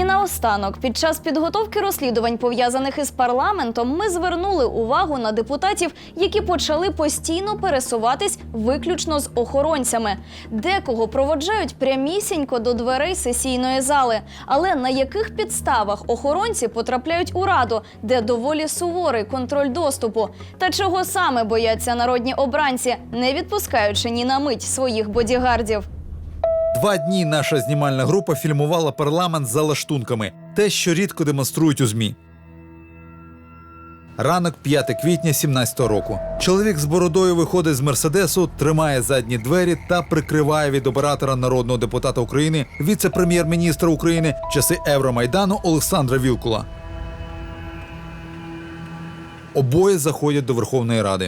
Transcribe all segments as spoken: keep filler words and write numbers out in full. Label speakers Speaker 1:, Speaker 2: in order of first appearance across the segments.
Speaker 1: І наостанок, під час підготовки розслідувань, пов'язаних із парламентом, ми звернули увагу на депутатів, які почали постійно пересуватись виключно з охоронцями. Декого проводжають прямісінько до дверей сесійної зали. Але на яких підставах охоронці потрапляють у Раду, де доволі суворий контроль доступу? Та чого саме бояться народні обранці, не відпускаючи ні на мить своїх бодігардів?
Speaker 2: Два дні наша знімальна група фільмувала парламент за лаштунками. Те, що рідко демонструють у ЗМІ. Ранок п'яте квітня сімнадцятого року. Чоловік з бородою виходить з Мерседесу, тримає задні двері та прикриває від оператора народного депутата України, віце-прем'єр-міністра України в часи Евромайдану Олександра Вілкула. Обоє заходять до Верховної Ради.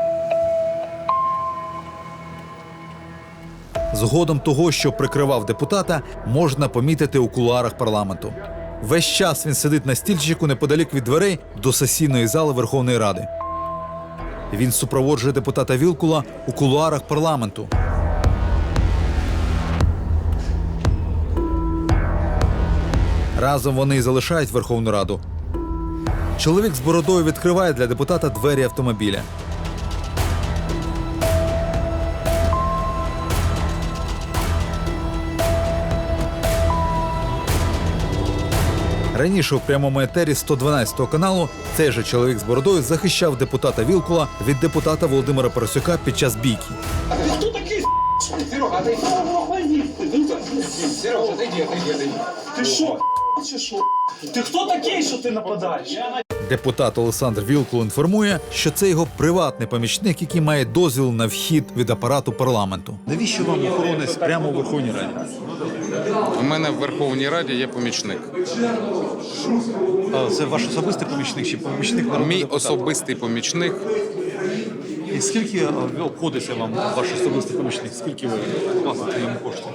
Speaker 2: Згодом того, що прикривав депутата, можна помітити у кулуарах парламенту. Весь час він сидить на стільчику неподалік від дверей до сесійної зали Верховної Ради. Він супроводжує депутата Вілкула у кулуарах парламенту. Разом вони залишають Верховну Раду. Чоловік з бородою відкриває для депутата двері автомобіля. Раніше у прямому етері сто дванадцятого каналу цей же чоловік з бородою захищав депутата Вілкула від депутата Володимира Парасюка під час бійки.
Speaker 3: А ты кто такие, Серега, ты Сережа, отойди, отойди, отойди. Ты шо, чи шо? Ти хто такий, що ти нападаєш?
Speaker 2: Депутат Олександр Вілкул інформує, що це його приватний помічник, який має дозвіл на вхід від апарату парламенту. Навіщо вам охоронець прямо у Верховній Раді?
Speaker 4: У мене в Верховній Раді є помічник.
Speaker 2: А це ваш особистий помічник чи помічник народного
Speaker 4: Мій
Speaker 2: депутата?
Speaker 4: особистий помічник.
Speaker 2: І скільки обходиться вам ваш особистий помічник? Скільки ви платите йому коштів?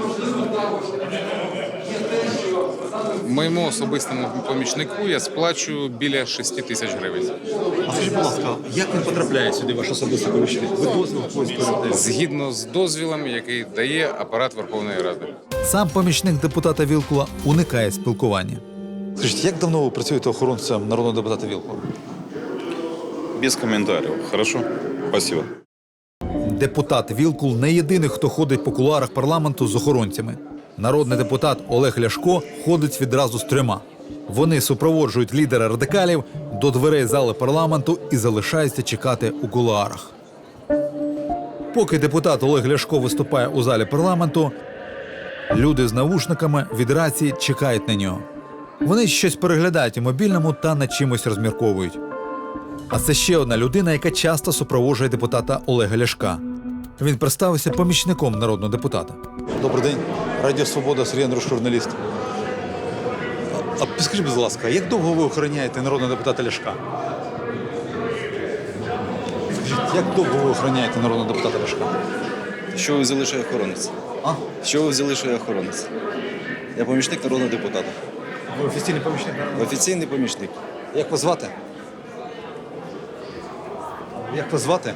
Speaker 4: Моєму особистому помічнику я сплачую біля шести тисяч гривень.
Speaker 2: А скажіть, будь ласка, як він потрапляє сюди, ваш особистий помічник? Ви дозвіл когось передаєте?
Speaker 4: Згідно з дозвілом, який дає апарат Верховної Ради.
Speaker 2: Сам помічник депутата Вілкула уникає спілкування. Скажіть, як давно ви працюєте охоронцем народного депутата Вілкула?
Speaker 5: Без комментариев. Хорошо? Спасибо.
Speaker 2: Депутат Вілкул не єдиний, хто ходить по кулуарах парламенту з охоронцями. Народний депутат Олег Ляшко ходить відразу з трьома. Вони супроводжують лідера радикалів до дверей зали парламенту і залишаються чекати у кулуарах. Поки депутат Олег Ляшко виступає у залі парламенту, люди з навушниками від рації чекають на нього. Вони щось переглядають у мобільному та над чимось розмірковують. А це ще одна людина, яка часто супроводжує депутата Олега Ляшка. Він представився помічником народного депутата. Добрий день. Радіо «Свобода», Сергій Андруш, журналіст. А підскажіть, будь ласка, як довго ви охороняєте народного депутата Ляшка? Скажіть, як довго ви охороняєте народного депутата Ляшка?
Speaker 6: Що ви взяли, що я охоронець?
Speaker 2: А?
Speaker 6: Що ви взяли, що я охоронець? Я помічник народного депутата.
Speaker 2: Ви офіційний помічник народного депутата?
Speaker 6: Офіційний помічник.
Speaker 2: Як вас звати? Як вас звати?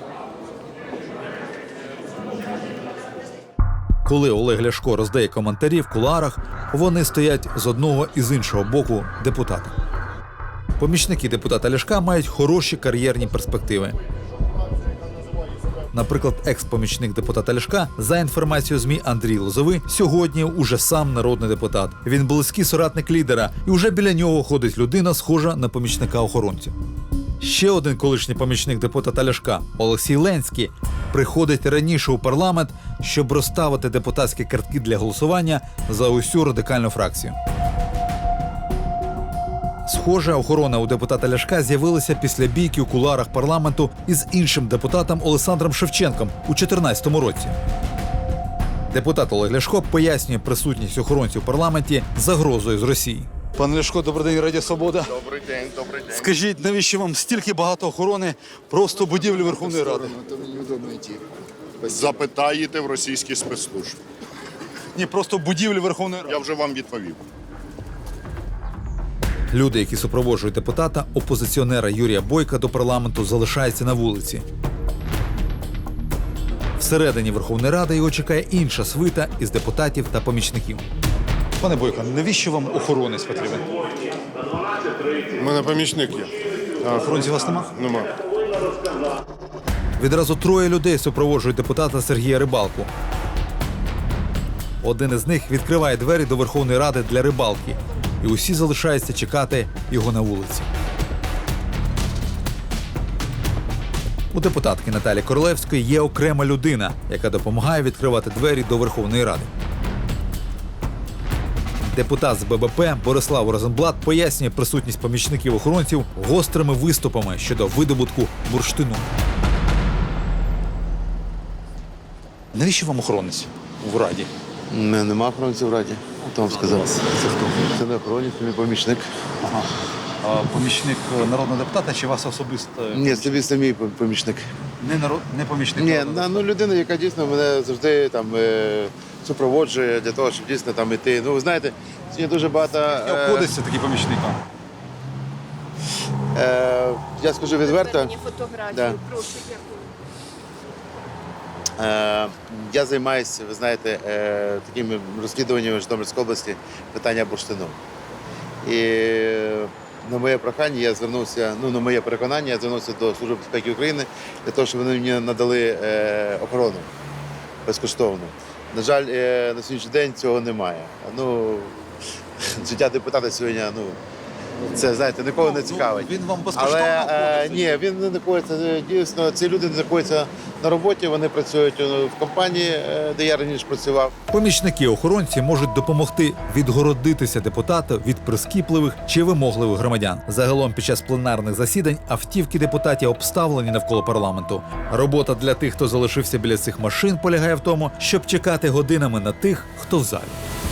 Speaker 2: Коли Олег Ляшко роздає коментарі в кулуарах, вони стоять з одного і з іншого боку депутата. Помічники депутата Ляшка мають хороші кар'єрні перспективи. Наприклад, екс-помічник депутата Ляшка, за інформацією ЗМІ Андрій Лозовий, сьогодні уже сам народний депутат. Він близький соратник лідера, і вже біля нього ходить людина, схожа на помічника охоронця. Ще один колишній помічник депутата Ляшка, Олексій Ленський, приходить раніше у парламент, щоб розставити депутатські картки для голосування за усю радикальну фракцію. Схожа охорона у депутата Ляшка з'явилася після бійки у кулуарах парламенту із іншим депутатом Олександром Шевченком у дві тисячі чотирнадцятому році. Депутат Олег Ляшко пояснює присутність охоронців у парламенті загрозою з Росії. Пане Ляшко, добрий день, Радіо «Свобода».
Speaker 7: Добрий день, добрий день.
Speaker 2: Скажіть, навіщо вам стільки багато охорони просто будівлі Верховної Ради?
Speaker 7: То мені удобно йти. Запитаєте в російські спецслужби.
Speaker 2: Ні, просто будівлі Верховної Ради.
Speaker 7: Я вже вам відповів.
Speaker 2: Люди, які супроводжують депутата, опозиціонера Юрія Бойка до парламенту, залишаються на вулиці. Всередині Верховної Ради його чекає інша свита із депутатів та помічників. Пане Бойко, навіщо вам охоронець потрібен?
Speaker 8: У мене помічник є.
Speaker 2: А охоронців у вас нема?
Speaker 8: Нема.
Speaker 2: Відразу троє людей супроводжують депутата Сергія Рибалку. Один із них відкриває двері до Верховної Ради для рибалки. І усі залишаються чекати його на вулиці. У депутатки Наталі Королевської є окрема людина, яка допомагає відкривати двері до Верховної Ради. Депутат з ББП Борислав Розенблат пояснює присутність помічників-охоронців гострими виступами щодо видобутку бурштину. Навіщо вам охоронець у Раді?
Speaker 9: Не, нема охоронців в Раді. Хто вам сказав? Це хто? Це не охоронець, це мій помічник.
Speaker 2: Ага. А помічник народного депутата чи вас особисто?
Speaker 9: Ні, це це мій помічник.
Speaker 2: Не народ, не помічник.
Speaker 9: Ні,
Speaker 2: народного
Speaker 9: на- ну людина, яка дійсно мене завжди там е, супроводжує для того, щоб дійсно там іти. Ну, ви знаєте, сьогодні дуже багато.
Speaker 2: депутата.
Speaker 9: Е,
Speaker 2: Обходиться такий помічник.
Speaker 9: е, я скажу відверто.
Speaker 10: Мені фотографію,
Speaker 9: Да.
Speaker 10: прошу, дякую.
Speaker 9: Е, я займаюся, ви знаєте, е, такими розслідуваннями в Житомирській області питання бурштину. І на моє прохання я звернувся, ну на моє переконання, я звернувся до Служби безпеки України для того, щоб вони мені надали е, охорону безкоштовну. На жаль, е, на сьогоднішній день цього немає. Ну, життя депутата сьогодні, ну, це, знаєте, нікого не цікавить.
Speaker 2: Він вам безкоштовно
Speaker 9: Але е,
Speaker 2: обходиться?
Speaker 9: ні, він не знаходиться, е, дійсно, ці люди не знаходяться на роботі, вони працюють е, в компанії, е, де я раніше працював.
Speaker 2: Помічники-охоронці можуть допомогти відгородитися депутату від прискіпливих чи вимогливих громадян. Загалом під час пленарних засідань автівки депутатів обставлені навколо парламенту. Робота для тих, хто залишився біля цих машин, полягає в тому, щоб чекати годинами на тих, хто в залі.